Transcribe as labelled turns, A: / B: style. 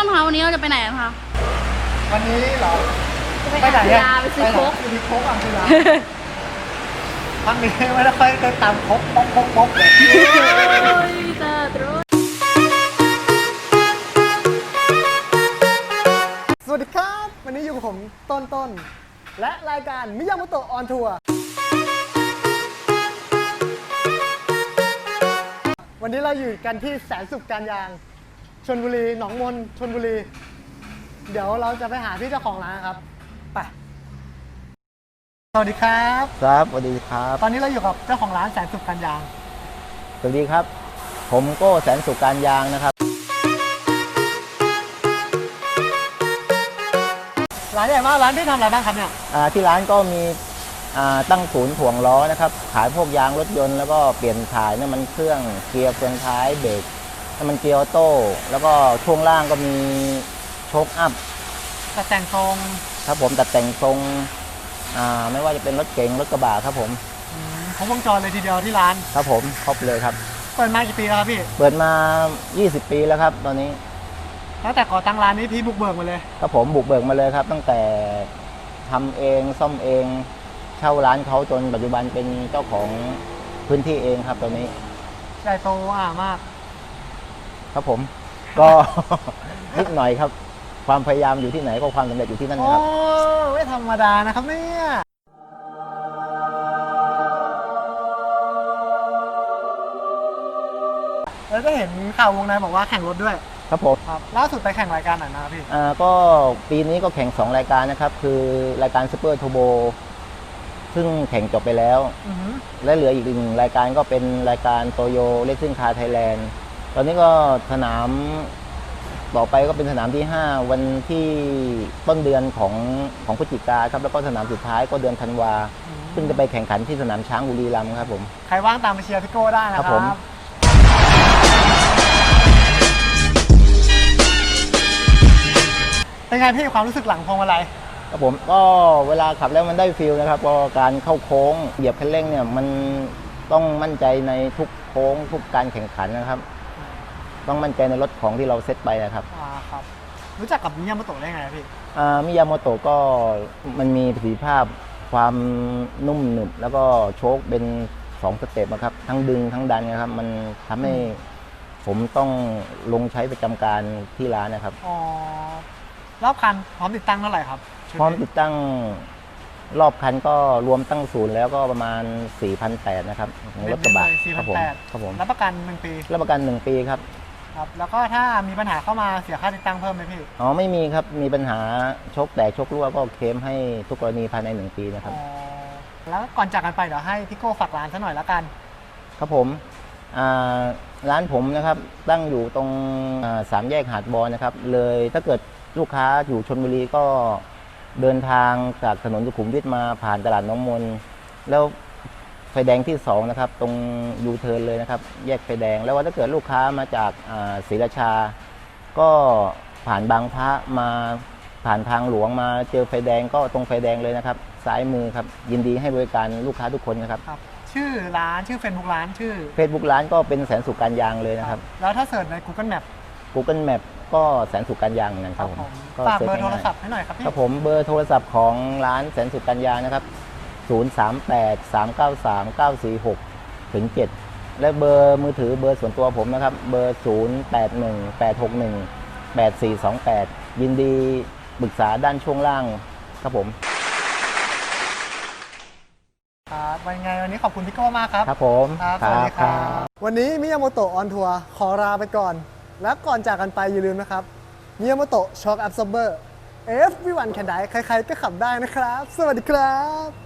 A: ต้นคะวันนี้เราจะไปไหนกันคะ
B: วันนี้เหรอ
A: ไปไหนอะไปซื้อโค้ก
B: ไปซื้อโค้กอ่ะคือร้านพักนี้ไม่ได้ค่อยได้ตามโค้กป๊อกเลย สวัสดีครับ วันนี้อยู่กับผมต้นและรายการมิยาโมโตะออนทัวร์วันนี้เราอยู่กันที่แสนสุขการยางชลบุรีหนองมนชลบุรี เดี๋ยวเราจะไปหาพี่เจ้าของร้านครับไปสวัสดีครับ
C: ครับสวัสดีครับ
B: ตอนนี้เราอยู่กับเจ้าของร้านแสนสุขการยาง
C: สวัสดีครับ ผมโก้แสนสุขการยางนะครับ
B: ร้านใหญ่มากร้านที่ทำอะไรบ้างครับเนี่ย
C: ที่ร้านก็มีตั้งศูนย์ถ่วงล้อนะครับ ขายพวกยางรถยนต์แล้วก็เปลี่ยนถ่ายน้ำมันเครื่องเกียร์เฟืองท้ายเบรกน้ำมันเกียร์ออโต้แล้วก็ช่วงล่างก็มีโชคอัพ
B: แต่งทรง
C: ครับผมตัดแต่งทรงไม่ว่าจะเป็นรถเก๋งรถกระบะครับผม
B: ครบวงจรเลยทีเดียวที่ร้าน
C: ครับผมครบเลยครับ
B: เปิดมากี่ปีแล้วครับพี่
C: เปิดมา 20 ปีแล้วครับตอนนี้
B: แล้วแต่ก่อตั้งร้านนี้พี่บุกเบิกมาเลย
C: ครับผมบุกเบิกมาเลยครับ ตั้งแต่ทำเองซ่อมเองเช่าร้านเขาจนปัจจุบันเป็นเจ้าของพื้นที่เองครับตอนนี้
B: ใหญ่โตมาก
C: ครับผมก็ นิดหน่อยครับ ความพยายามอยู่ที่ไหนก็ความสำเร็จอยู่ที่นั่น
B: โอ้
C: นะครับ
B: ไม่ธรรมดานะครับเนี่ยแล้วก็เห็นข่าววงในบอกว่าแข่งรถด้วย
C: ครับผม
B: ครับล่าสุดไปแข่งรายการไหนมาพี่
C: ก็ปีนี้ก็แข่ง 2 รายการนะครับ คือรายการซูเปอร์โทโบซึ่งแข่งจบไปแล้ว และเหลืออีกหนึ่งรายการก็เป็นรายการโตโยเลสซิ่งคาร์ไทยแลนด์ตอนนี้ก็สนามต่อไปก็เป็นสนามที่ 5 วันที่ต้นเดือนของพฤศจิกาครับแล้วก็สนามสุดท้ายก็เดือนธันวาซึ่งจะไปแข่งขันที่สนามช้างบุรีรัมย์ครับผม
B: ใครว่างตามไปเชียร์พี่โก้ได้นะค
C: ครั
B: รับบ
C: ผม
B: เป็นไงพี่ความรู้สึกหลังพวงมาลัย
C: ครับผมก็เวลาขับแล้วมันได้ฟีลนะครับเพราะการเข้าโค้งเหยียบคันเร่งเนี่ยมันต้องมั่นใจในทุกโค้งทุกการแข่งขันนะครับ ต้องมั่นใจในรถของที่เราเซตไปนะครับ
B: ครับรู้จักกับมิยาโมโตะได้ไงพี่
C: มิยาโมโตะก็มันมีประสิทธิภาพความนุ่มหนึบแล้วก็โชคเป็น2สเต็ปนะครับทั้งดึงทั้งดันนะครับมันทำให้ผมต้องลงใช้ประจำการที่ร้านนะครับ
B: รอบคันพร้อมติดตั้งเท่าไหร่ครับ
C: พร้อมติดตั้งรอบคันก็รวมตั้งศูนย์แล้วก็ประมาณ 4,800 นะครับของรถกระบะครับผมครับผม
B: รับประกัน1 ปี
C: รับประกัน1 ปีครับ
B: ครับแล้วก็ถ้ามีปัญหาเข้ามาเสียค่าติดตั้งเพิ่มไหมพี่
C: อ๋อไม่มีครับมีปัญหาโชคแตกโชครั่วก็เคลมให้ทุกกรณีภายใน1 ปีนะครับ
B: แล้วก่อนจากกันไปเดี๋ยวให้พี่โก้ฝากร้านซะหน่อยแล้วกัน
C: ครับผมร้านผมนะครับตั้งอยู่ตรง3 แยกหาดบอลนะครับเลยถ้าเกิดลูกค้าอยู่ชลบุรีก็เดินทางจากถนนสุขุมวิทมาผ่านตลาดน้องมนแล้วไฟแดงที่2นะครับตรงยูเทิร์นเลยนะครับแยกไฟแดงแล้วว่าถ้าเกิดลูกค้ามาจากศรีราชา ก็ผ่านบางพระมาผ่านทางหลวงมาเจอไฟแดงก็ตรงไฟแดงเลยนะครับซ้ายมือครับยินดีให้บริการลูกค้าทุกคนนะครับ
B: ชื่อร้านชื่อ Facebook ร้านชื่อ
C: Facebook ร้านก็เป็นแสนสุขการยางเลยนะครับ
B: แล้วถ้าเสิร์ชใน Google Map
C: Google Map ก็แสนสุขการยางเหมือนกันครับผม
B: ฝากเบอร์โทรศัพท์ให้หน่อยครับพี่
C: ครับผมเบอร์โทรศัพท์ของร้านแสนสุขการยางนะครับ038-393-946-7และเบอร์มือถือเบอร์ส่วนตัวผมนะครับเบอร์0818618428ยินดีปรึกษาด้านช่วงล่างครับผม
B: ครับวันนี้ขอบคุณพี่โก้มากครับ
C: ครับผม
B: ครับสวัสดีครับวันนี้มิยาโมโตะออนทัวร์ขอลาไปก่อน และก่อนจากกันไปอย่าลืมนะครับมิยาโมโตะช็อคแอบซอร์เบอร์ everyone can die ใครๆก็ขับได้นะครับ สวัสดีครับ